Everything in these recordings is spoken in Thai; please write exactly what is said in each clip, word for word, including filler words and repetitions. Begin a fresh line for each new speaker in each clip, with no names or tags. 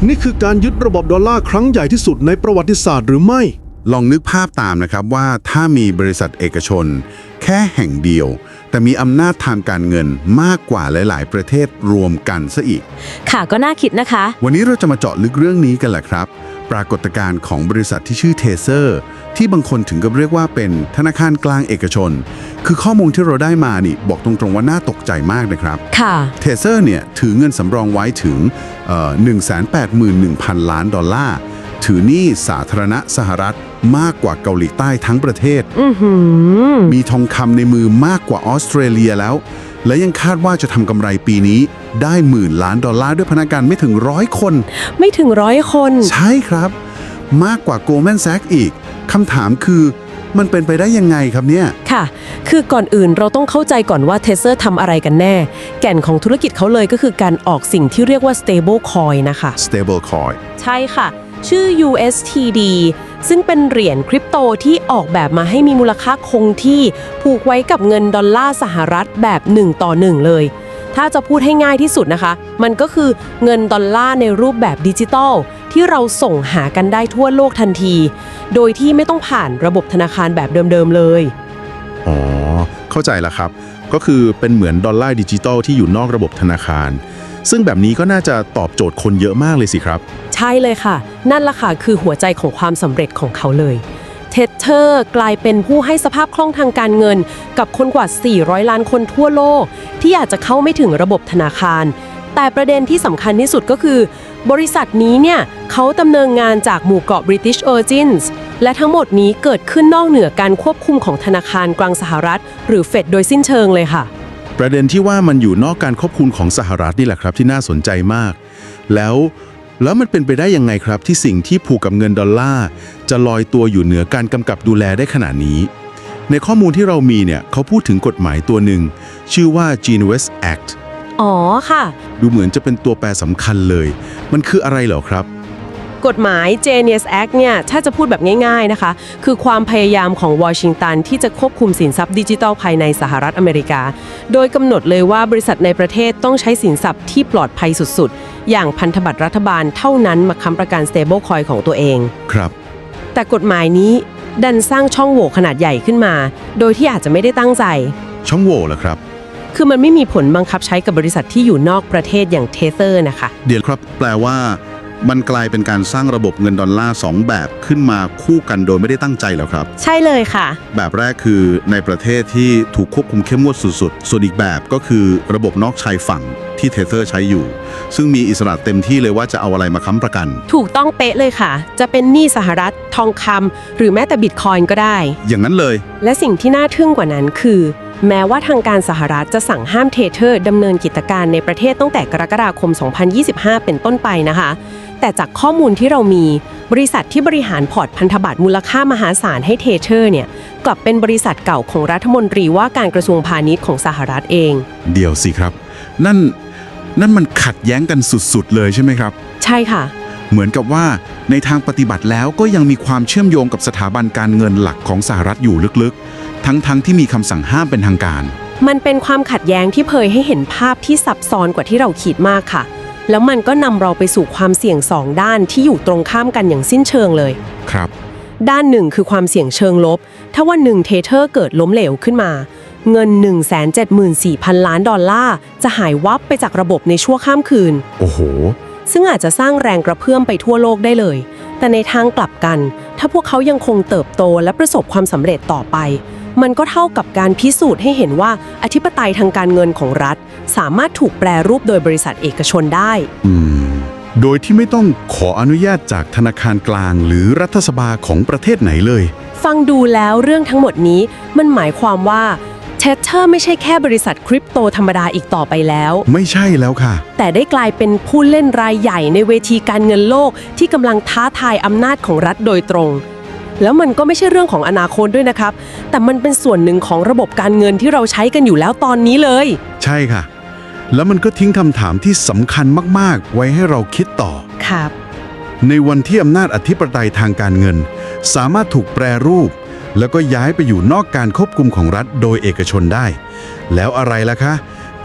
นี่คือการยึดระบบดอลลาร์ครั้งใหญ่ที่สุดในประวัติศาสตร์หรือไม่
ลองนึกภาพตามนะครับว่าถ้ามีบริษัทเอกชนแค่แห่งเดียวแต่มีอำนาจทางการเงินมากกว่าหลายๆ ประเทศรวมกันซะอีก
ค่ะก็น่าคิดนะคะ
วันนี้เราจะมาเจาะลึกเรื่องนี้กันแหละครับปรากฏการณ์ของบริษัทที่ชื่อเทเซอร์ที่บางคนถึงกับเรียกว่าเป็นธนาคารกลางเอกชนคือข้อมูลที่เราได้มานี่บอกตรงๆว่าน่าตกใจมากนะครับ
ค่ะ
เทเซอร์เนี่ยถือเงินสำรองไว้ถึง หนึ่งแสนแปดหมื่นหนึ่งพัน ล้านดอลลาร์ถือหนี้สาธารณะสหรัฐมากกว่าเกาหลีใต้ทั้งประเทศมีทองคำในมือมากกว่าออสเตรเลียแล้วและยังคาดว่าจะทำกำไรปีนี้ได้หมื่นล้านดอลลาร์ด้วยพนักงานไม่ถึงร้อยคน
ไม่ถึงร้อยคน
ใช่ครับมากกว่า Goldman Sachs อีกคำถามคือมันเป็นไปได้ยังไงครับเนี่ย
ค่ะคือก่อนอื่นเราต้องเข้าใจก่อนว่าเทเซอร์ทำอะไรกันแน่แก่นของธุรกิจเขาเลยก็คือการออกสิ่งที่เรียกว่า stable coin นะคะ
stable coin
ใช่ค่ะชื่อ ยู เอส ที ดี ซึ่งเป็นเหรียญคริปโตที่ออกแบบมาให้มีมูลค่าคงที่ผูกไว้กับเงินดอลลาร์สหรัฐแบบหนึ่งต่อหนึ่งเลยถ้าจะพูดให้ง่ายที่สุดนะคะมันก็คือเงินดอลลาร์ในรูปแบบดิจิทัลที่เราส่งหากันได้ทั่วโลกทันทีโดยที่ไม่ต้องผ่านระบบธนาคารแบบเดิมๆเลย
อ๋อเข้าใจแล้วครับก็คือเป็นเหมือนดอลลาร์ดิจิทัลที่อยู่นอกระบบธนาคารซึ่งแบบนี้ก็น่าจะตอบโจทย์คนเยอะมากเลยสิครับ
ใช่เลยค่ะนั่นล่ะค่ะคือหัวใจของความสำเร็จของเขาเลยเทเทอร์กลายเป็นผู้ให้สภาพคล่องทางการเงินกับคนกว่าสี่ร้อยล้านคนทั่วโลกที่อาจจะเข้าไม่ถึงระบบธนาคารแต่ประเด็นที่สำคัญที่สุดก็คือบริษัทนี้เนี่ยเขาดำเนินงานจากหมู่เกาะ British Virgins และทั้งหมดนี้เกิดขึ้นนอกเหนือการควบคุมของธนาคารกลางสหรัฐหรือเฟดโดยสิ้นเชิงเลยค่ะ
ประเด็นที่ว่ามันอยู่นอกการควบคุมของสหรัฐนี่แหละครับที่น่าสนใจมากแล้วแล้วมันเป็นไปได้ยังไงครับที่สิ่งที่ผูกกับเงินดอลลาร์จะลอยตัวอยู่เหนือการกำกับดูแลได้ขนาดนี้ในข้อมูลที่เรามีเนี่ยเขาพูดถึงกฎหมายตัวหนึ่งชื่อว่า Genius Act
อ๋อค่ะ
ดูเหมือนจะเป็นตัวแปรสำคัญเลยมันคืออะไรเหรอครับ
กฎหมาย Genius Act เนี่ยถ้าจะพูดแบบง่ายๆนะคะคือความพยายามของวอชิงตันที่จะควบคุมสินทรัพย์ดิจิทัลภายในสหรัฐอเมริกาโดยกำหนดเลยว่าบริษัทในประเทศต้องใช้สินทรัพย์ที่ปลอดภัยสุดๆอย่างพันธบัตรรัฐบาลเท่านั้นมาค้ำประกัน stable coin ของตัวเอง
ครับ
แต่กฎหมายนี้ดันสร้างช่องโหว่ขนาดใหญ่ขึ้นมาโดยที่อาจจะไม่ได้ตั้งใจ
ช่องโหว่เหรอครับ
คือมันไม่มีผลบังคับใช้กับบริษัทที่อยู่นอกประเทศอย่างเทเซอร์นะคะ
เดี๋ยวครับแปลว่ามันกลายเป็นการสร้างระบบเงินดอลลาร์สองแบบขึ้นมาคู่กันโดยไม่ได้ตั้งใจแล้วครับ
ใช่เลยค่ะ
แบบแรกคือในประเทศที่ถูกควบคุมเข้มงวดสุดๆส่วนอีกแบบก็คือระบบนอกชายฝั่งที่เทเซอร์ใช้อยู่ซึ่งมีอิสระเต็มที่เลยว่าจะเอาอะไรมาค้ำประกัน
ถูกต้องเป๊ะเลยค่ะจะเป็นหนี้สหรัฐทองคำหรือแม้แต่บิตคอยน์ก็ได้
อย่างนั้นเลย
และสิ่งที่น่าทึ่งกว่านั้นคือแม้ว่าทางการสหรัฐจะสั่งห้ามเทเทอร์ดำเนินกิจการในประเทศตั้งแต่กรกฎาคมสองพันยี่สิบห้าเป็นต้นไปนะคะแต่จากข้อมูลที่เรามีบริษัทที่บริหารพอร์ตพันธบัตรมูลค่ามหาศาลให้เทเทอร์เนี่ยกลับเป็นบริษัทเก่าของรัฐมนตรีว่าการกระทรวงพาณิชย์ของสหรัฐเอง
เดี๋ยวสิครับนั่นนั่นมันขัดแย้งกันสุดๆเลยใช่ไหมครับ
ใช่ค่ะ
เหมือนกับว่าในทางปฏิบัติแล้วก็ยังมีความเชื่อมโยงกับสถาบันการเงินหลักของสหรัฐอยู่ลึกๆทั้งๆ ท, ที่มีคำสั่งห้ามเป็นทางการ
มันเป็นความขัดแย้งที่เผยให้เห็นภาพที่ซับซ้อนกว่าที่เราคิดมากค่ะแล้วมันก็นำเราไปสู่ความเสี่ยงสองด้านที่อยู่ตรงข้ามกันอย่างสิ้นเชิงเลย
ครับ
ด้านหนึ่งคือความเสี่ยงเชิงลบถ้าวันหนึ่งเทเทอร์เกิดล้มเหลวขึ้นมาเงิน หนึ่งแสนเจ็ดหมื่นสี่พัน ล้านดอลลาร์จะหายวับไปจากระบบในชั่วข้ามคืน
โอ้โห
ซึ่งอาจจะสร้างแรงกระเพื่อมไปทั่วโลกได้เลยแต่ในทางกลับกันถ้าพวกเขายังคงเติบโตและประสบความสำเร็จต่อไปมันก็เท่ากับการพิสูจน์ให้เห็นว่าอธิปไตยทางการเงินของรัฐสามารถถูกแปรรูปโดยบริษัทเอกชนได้
อืมโดยที่ไม่ต้องขออนุญาตจากธนาคารกลางหรือรัฐสภาของประเทศไหนเลย
ฟังดูแล้วเรื่องทั้งหมดนี้มันหมายความว่าเทเทอร์ไม่ใช่แค่บริษัทคริปโตธรรมดาอีกต่อไปแล้ว
ไม่ใช่แล้วค่ะ
แต่ได้กลายเป็นผู้เล่นรายใหญ่ในเวทีการเงินโลกที่กำลังท้าทายอำนาจของรัฐโดยตรงแล้วมันก็ไม่ใช่เรื่องของอนาคตด้วยนะครับแต่มันเป็นส่วนหนึ่งของระบบการเงินที่เราใช้กันอยู่แล้วตอนนี้เลย
ใช่ค่ะแล้วมันก็ทิ้งคำถามที่สำคัญมากๆไว้ให้เราคิดต่อ
ครับ
ในวันที่อำนาจอธิปไตยทางการเงินสามารถถูกแปรรูปแล้วก็ย้ายไปอยู่นอกการควบคุมของรัฐโดยเอกชนได้แล้วอะไรล่ะคะ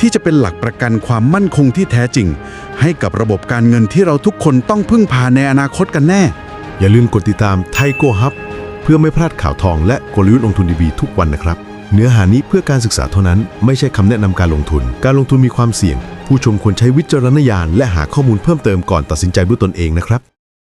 ที่จะเป็นหลักประกันความมั่นคงที่แท้จริง ให้กับระบบการเงินที่เราทุกคนต้องพึ่งพาในอนาคตกันแน่
อย่าลืมกดติดตามไทโกฮับเพื่อไม่พลาดข่าวทองและกลยุทธ์ลงทุนดีๆทุกวันนะครับเนื้อหานี้เพื่อการศึกษาเท่านั้นไม่ใช่คำแนะนำการลงทุนการลงทุนมีความเสี่ยงผู้ชมควรใช้วิจารณญาณและหาข้อมูลเพิ่มเติมก่อนตัดสินใจด้วยตนเองนะครับ